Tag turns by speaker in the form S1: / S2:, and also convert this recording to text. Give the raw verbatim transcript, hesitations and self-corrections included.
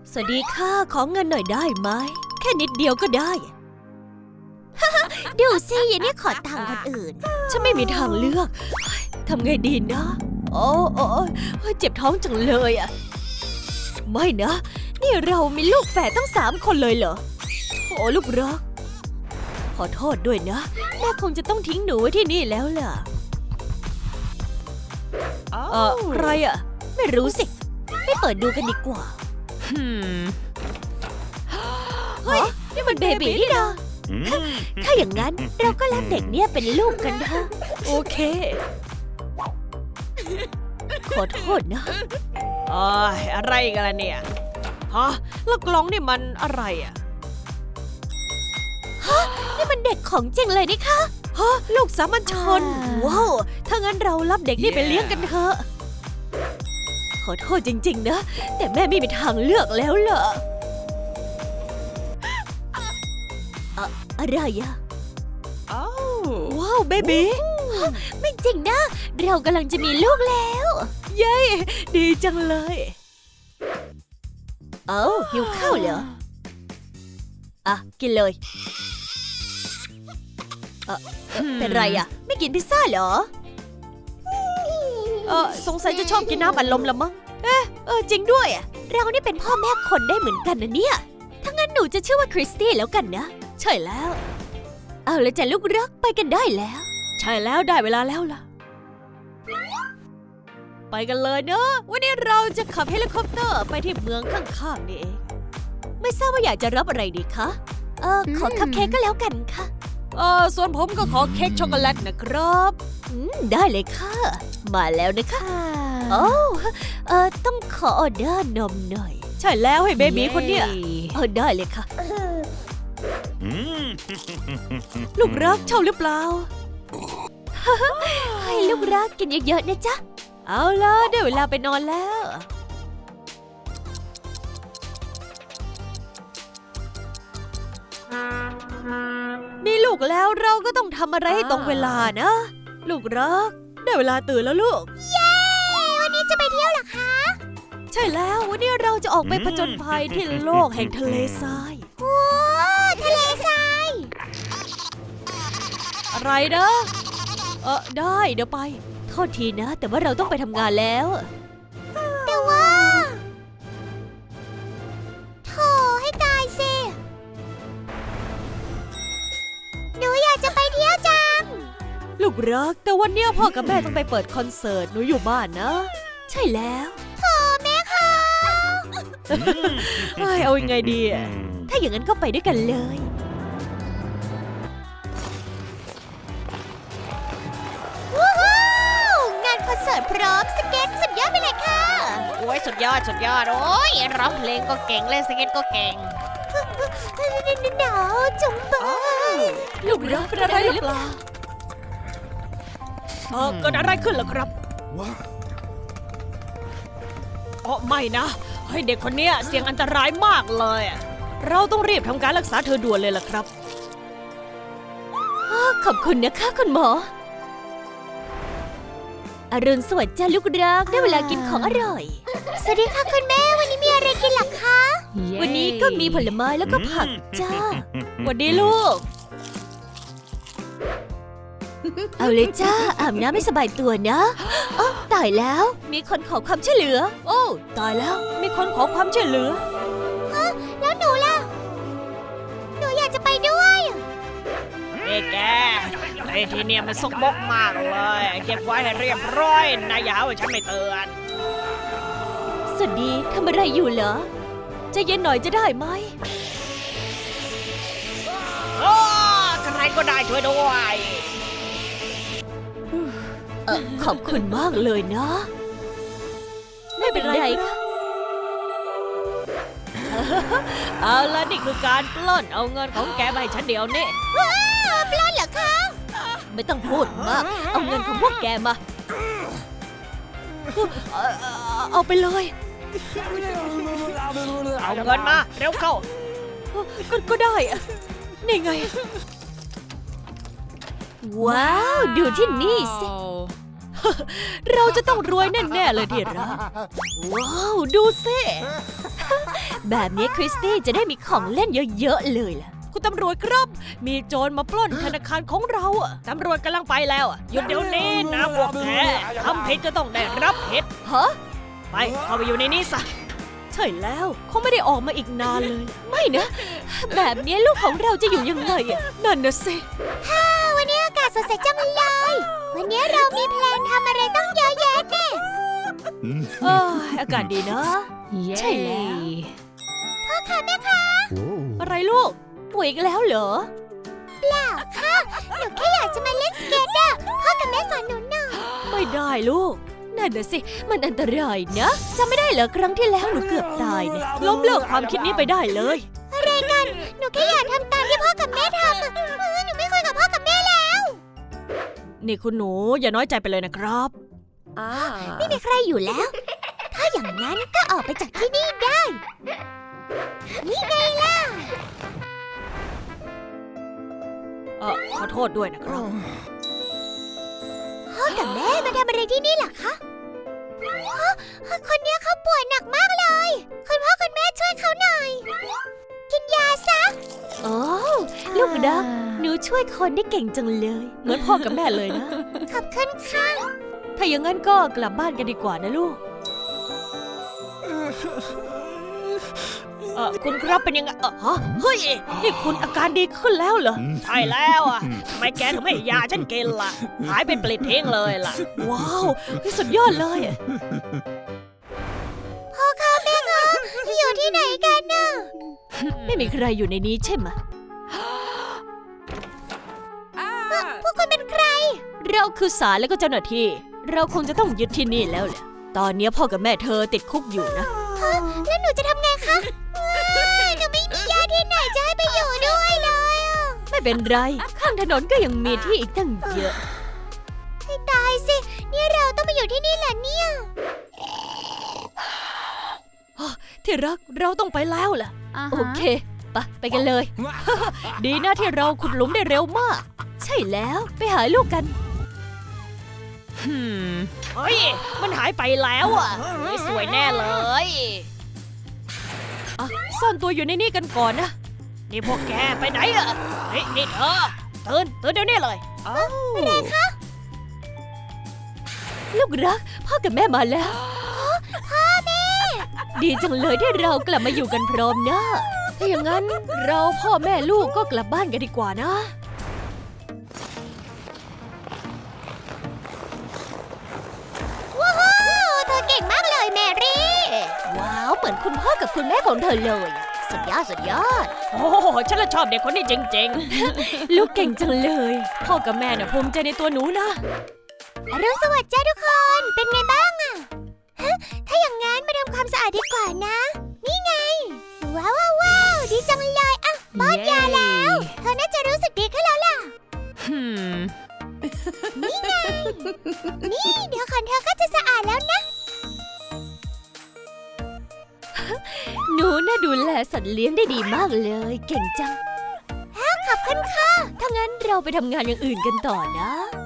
S1: สวัสดีค่ะขอเงินหน่อยได้ไหมแค่นิดเดียวก็ได้ ดูสิยายนี่ขอตังค์คนอื่นฉันไม่มีทางเลือกทำไงดีนะโอ้โอ้เจ็บท้องจังเลยอะไม่นะนี่เรามีลูกแฝดตั้งสามคนเลยเหรอโอ้ลูกรักขอโทษด้วยนะแม่คงจะต้องทิ้งหนูไว้ที่นี่แล้วล่ะเออใครอะไม่รู้สิไม่เปิดดูกันดีกว่าเฮ้ยนี่มันเบบีนี่นะถ้าอย่างนั้นเราก็รับเด็กเนี่ยเป็นลูกกันเถอะโอเคขอโทษนะ
S2: เอ้ยอะไรกันล่ะเนี่ยฮะแล้วกล่องนี่มันอะไรอ่ะ
S1: ฮะนี่มันเด็กของจริงเลยนี่คะ
S2: ฮะลูกสามัญชน
S1: ว้าวถ้างั้นเรารับเด็กนี่ไปเลี้ยงกันเถอะขอโทษจริงๆนะแต่แม่ไม่มีทางเลือกแล้วล่ะอะอะไรอะว้าวเบบีไม่จริงนะเรากำลังจะมีลูกแล้วเย้ดีจังเลยเอ้าหิวข้าวเหรออ่ะกินเลยเออเป็นไรอะไม่กินพิซซ่าเหรอ
S2: เออสงสัยจะชอบกินน้ำอัดลมละมั้ง
S1: เอ๊ะเออจริงด้วยอะเรานี่เป็นพ่อแม่คนได้เหมือนกันนะเนี่ยถ้างั้นหนูจะชื่อว่าคริสตี้แล้วกันนะใช่แล้วเอาละจ้ะลูกรักไปกันได้แล้ว
S2: ใช่แล้วได้เวลาแล้วล่ะไปกันเลยเนอะวันนี้เราจะขับเฮลิคอปเตอร์ไปที่เมืองข้างๆนี่เอง
S1: ไม่ทราบว่าอยากจะรับอะไรดีคะเออขอคัพเค้กก็แล้วกันค่ะ
S2: เออส่วนผมก็ขอเค้กช็อกโกแลตนะครับ
S1: อืมได้เลยค่ะมาแล้วนะคะโอ้เออต้องขอออเดอร์นมหน่อย
S2: ใช่แล้วให้เบบีคนเนี้ย
S1: เออได้เลยค่ะ
S2: ลูกรักชอบหรือเปล่า
S1: ให้ลูกรักกินเยอะๆนะจ๊ะ
S2: เอาล่ะได้เวลาไปนอนแล้วมีลูกแล้วเราก็ต้องทำอะไรให้ตรงเวลานะลูกรักได้เวลาตื่นแล้วลูก
S1: เย้วันนี้จะไปเที่ยวเหรอคะ
S2: ใช่แล้ววันนี้เราจะออกไปผจญภัยที่โลกแห่งทะเลทราย
S1: ว้าวทะเลทราย
S2: อะไรนะเออได้เดี๋ยวไป
S1: โทษทีนะแต่ว่าเราต้องไปทำงานแล้ว
S3: แต่ว่าโธ่ให้ตายสิหนูอยากจะไปเที่ยวจัง
S2: ลูกรักแต่วันนี้พ่อกับแม่ต้องไปเปิดคอนเสิร์ตหนูอยู่บ้านนะ
S1: ใช่แล้ว
S3: โธ่แม่ค่ะ
S2: เอายังไงดี
S1: ถ้าอย่างนั้นก็ไปด้วยกันเลย
S3: คอนเสิร์ตพร้อมสเก็ตสุดยอดไปเลยค่ะ
S2: โอ้ยสุดยอดสุดยอดโอ้ยร้องเพลงก็เก่งเล่นสเก็ตก็เก่ง
S3: หนาวจังเลย
S1: ลูกรักเป็นอะไรหรือเปล่า
S2: เออเกิดอะไรขึ้นเหรอครับว้าอ๋อไม่นะให้เด็กคนนี้เสี่ยงอันตรายมากเลยเราต้องรีบทำการรักษาเธอด่วนเลยล่ะครับ
S1: ขอบคุณนะคะคุณหมออรุณสวัสดิ์จ้าลูกรักได้เวลากินของอร่อย
S3: สวัสดีค่ะคุณแม่วันนี้มีอะไรกินหรอคะ
S1: yeah. วันนี้ก็มีผลไม้แล้วก็ผักจ้า
S2: วันนี้ลูก
S1: เอาเลยจ้าอาบน้ำไม่สบายตัวนะอ๋อตายแล้วมีคนขอความช่วยเหลือ
S2: โอ้ตายแล้วมีคนขอความช่วยเหลือ
S3: ฮะแล้วหนูล่ะหนูอยากจะไปด้วย
S2: เอ้แกไอ้ที่เนี่ยมันซกมกมากเลยเก็บไว้ให้เรียบร้อยนายอย่าให้ฉันไม่เตือน
S1: สวัสดีทำอะไรอยู่เหรอใจเย็นหน่อยจะได้ไหม
S2: โอ้ใครก็ได้ช่วยด้วย
S1: เออขอบคุณมากเลยนะไม่เป็นไรค่ะ
S2: เอาละนี่คือการปล้นเอาเงินของแกไปฉันเดียวนี่
S3: ว้าวปล้นเหรอคะ
S1: ไม่ต้องพูดมากเอาเงินของพวกแกมา
S2: เอาไปเลยเอาเงินมาเร็วเข้าก็ก็ได้นี่ไง
S1: ว้าวดูที่นี่สิ
S2: เราจะต้องรวยแน่ๆเลยที่รักว้าวดูสิ
S1: แบบนี้คริสตี้จะได้มีของเล่นเยอะๆเลยล่ะ
S2: คุณตำรวจครับ มีโจรมาปล้นธนาคารของเราอะตำรวจกำลังไปแล้วอะหยุดเดี๋ยวนี้นะพวกแกทำผิดจะต้องได้รับผิด
S1: ฮะ
S2: ไปเข้าไปอยู่ในนี้ซะ
S1: ใช่แล้วเขาไม่ได้ออกมาอีกนานเลย ไม่นะ แบบนี้ลูกของเราจะอยู่ยังไงอะนั่นนะสิ
S3: วันนี้อากาศสดใสจังเลย วันนี้เรามีแพลนทำอะไรต้องเยอะแยะแน่
S1: เอออากาศดีนะ ใช่แล้ว
S3: พ่อคะแม่คะ
S1: อะไรลูกป่วยอีกแล้วเหรอ
S3: เปล่าค่ะ หนูแค่อยากจะมาเล่นสเก็ตอะพ่อกับแม่สอนหนูหน่อย
S1: ไม่ได้ลูก นั่นน่ะสิ มันอันตรายนะจำไม่ได้เหรอครั้งที่แล้วหนูเกือบตายเนี่ยล้มเลิกความคิดนี้ไปได้เลย
S3: อะไรกัน หนูแค่อยากทำตามที่พ่อกับแม่ทำอะเออหนูไม่คุยกับพ่อกับแม่แล้ว
S1: นี่คุณหนูอย่าน้อยใจไปเลยนะครับ
S3: ไม่มีใครอยู่แล้ว ถ้าอย่างนั้นก็ออกไปจากที่นี่ได้ นี่ไงล่ะ
S1: เออขอโทษด้วยนะครับ
S3: พ่อกับแม่มาทำอะไรที่นี่ล่ะคะฮะคนเนี้ยเขาป่วยหนักมากเลย คุณพ่อคุณแม่ช่วยเขาหน่อย กินยาซะ
S1: โอ้ลูกรักหนูช่วยคนได้เก่งจังเลย เหมือนพ่อกับแม่เลยนะ
S3: ขอบคุณค่ะ
S1: ถ้าอย่างนั้นก็กลับบ้านกันดีกว่านะลูก
S2: เออคุณครับเป็นยังไงเออฮะ
S1: เฮ้ย นี่คุณอาการดีขึ้นแล้วเหรอ
S2: ใช่แล้วอะทำไมแกถึงไม่ให้ยาฉันกินล่ะ หายเป็นปลิดทิ้งเลยล่ะ
S1: ว้าวนี่สุดยอดเลยอะ
S3: พ่อคะแม่คะอยู่ที่ไหนกันน่ะ
S1: ไม่มีใครอยู่ในนี้ใช่ไหม
S3: พวกคุณเป็นใคร
S1: เราคือศาลและก็เจ้าหน้าที่ เราคงจะต้องยึดที่นี่แล้วแหละ ตอนนี้พ่อกับแม่เธอติดคุกอยู่นะ
S3: แล้วหนูจะทำไงคะว้ายหนูไม่มีญาติที่ไหนจะให้ไปอยู่ด้วยเลยอะ
S1: ไม่เป็นไร ข้างถนนก็ยังมีที่อีกตั้งเยอะ
S3: ให้ตายสิ นี่เราต้องมาอยู่ที่นี่เหรอเนี่ย
S1: ที่รักเราต้องไปแล้วล่ะ โอเคไปะไปกันเลย ดีนะที่เราขุดหลุมได้เร็วมาก ใช่แล้วไปหาลูกกัน
S2: เฮ้ย มันหายไปแล้วอ่ะไม่สวยแน่เลย
S1: อ่ะซ่อนตัวอยู่ในนี่กันก่อนนะ
S2: นี่พวกแกไปไหนอ่ะเฮ้ยนี่เธอตื่นตื่นเดี๋ยวนี้เลย
S1: ลูกรัก พ่อกับแม่มาแล้ว พ่อแม่ ดีจังเลยที่เรากลับมาอยู่กันพร้อมหน้าถ้าอย่างนั้นเราพ่อแม่ลูกก็กลับบ้านกันดีกว่านะ
S3: ว้าวเธอเก่งมากเลยแมรี่
S1: ว้าว เหมือนคุณพ่อกับคุณแม่ของเธอเลยอะสุดยอดสุดยอด
S2: โอ้โหฉันละชอบเด็กคนนี้จริง
S1: ลูกเก่งจังเลย พ่อกับแม่น่ะภูมิใจในตัวหนูนะ
S3: อรุณสวัสดิ์จ้าทุกคน เป็นไงบ้างอะฮะถ้าอย่างงั้นมาทำความสะอาดดีกว่านะ นี่ไง ว้าวว้าวว้าวดีจังเลยอ่ะป้อนยาแล้ว เธอน่าจะรู้สึกดีขึ้นแล้วล่ะ นี่ไง นี่เดี๋ยวขนเธอก็จะสะอาดแล้วนะ
S1: หนูน่าดูแลสัตว์เลี้ยงได้ดีมากเลย เก่งจัง
S3: ขอบคุณค่ะ
S1: ถ้างั้นเราไปทำงานอย่างอื่นกันต่อนะ